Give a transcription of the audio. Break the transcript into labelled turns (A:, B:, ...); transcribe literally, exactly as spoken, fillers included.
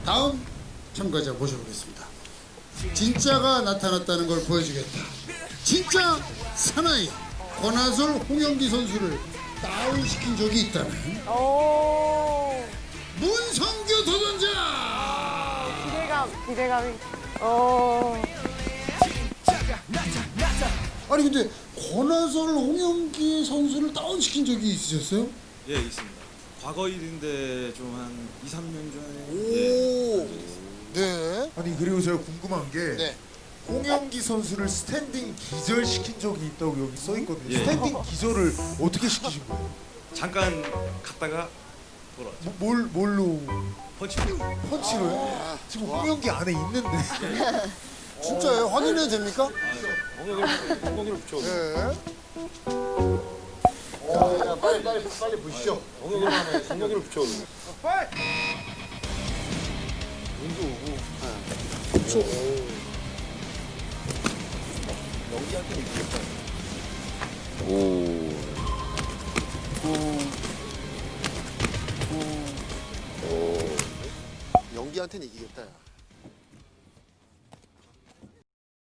A: 다음 참가자 모셔보겠습니다. 진짜가 나타났다는 걸 보여주겠다. 진짜 사나이 권하솔 홍영기 선수를 다운시킨 적이 있다는
B: 오.
A: 문성규 도전자.
B: 기대감, 기대감이. 어.
A: 아니 근데 권하솔 홍영기 선수를 다운시킨 적이 있으셨어요?
C: 예, 있습니다. 과거 일인데 좀 한 이, 삼 년 전에
D: 오.
C: 예,
D: 네.
E: 아니 그리고 제가 궁금한 게
D: 네.
E: 홍영기 선수를 스탠딩 기절시킨 적이 있다고 여기 써 있거든요.
C: 예.
E: 스탠딩 기절을 어떻게 시키신 거예요?
C: 잠깐 갔다가 돌아왔죠.
E: 뭐, 뭘 뭘로
C: 펀치.
E: 펀치로요? 지금 홍영기 안에 있는데.
D: 진짜예요? 확인해도 됩니까?
C: 엉덩이를 엉덩이를 붙여.
D: 네. 야, 야, 빨리 빨리 빨리 보시죠.
C: 엉덩이를 하면 엉덩이를 붙여.
D: 연기한테는 이기겠다. 야.